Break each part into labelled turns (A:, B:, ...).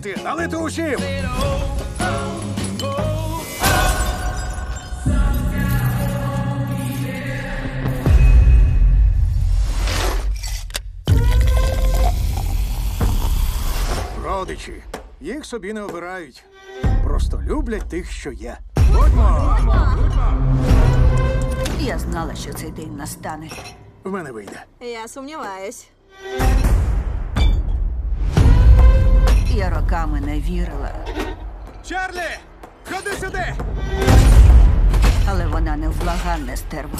A: налити! Налити усім! Родичі. Їх собі не обирають. Просто люблять тих, що є. Будьмо!
B: Я знала, що цей день настане.
A: В мене вийде.
C: Я сумніваюсь.
B: Я роками не вірила,
A: Чарлі! Ходи сюди!
B: але вона невблаганне стерва.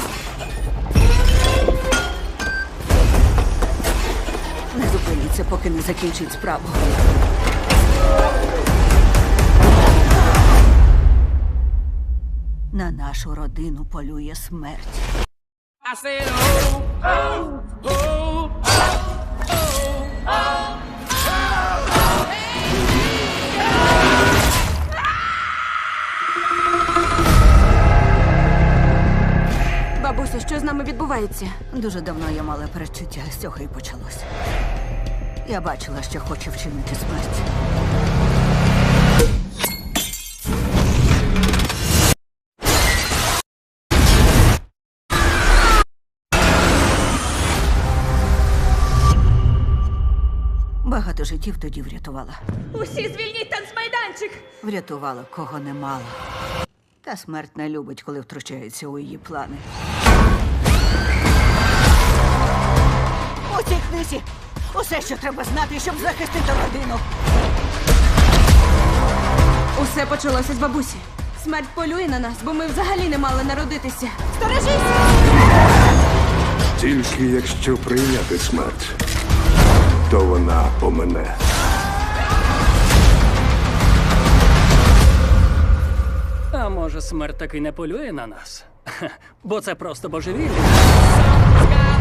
B: Не зупиніться, поки не закінчить справу. На нашу родину полює смерть.
D: I said, oh, oh, oh,
C: Бабусю, що з нами відбувається?
B: Дуже давно я мала передчуття, з цього і почалося. Я бачила, що хоче вчинити смерть. Багато життів тоді врятувала.
C: Усі звільніть танцмайданчик!
B: Врятувала, кого не мала. Та смерть не любить, коли втручається у її плани. У цій книзі усе, що треба знати, щоб захистити родину.
C: Усе почалося з бабусі. Смерть полює на нас, бо ми взагалі не мали народитися. Сторожись!
E: Тільки якщо прийняти смерть, то вона помине.
D: А може, смерть таки не полює на нас? Бо це просто божевілля.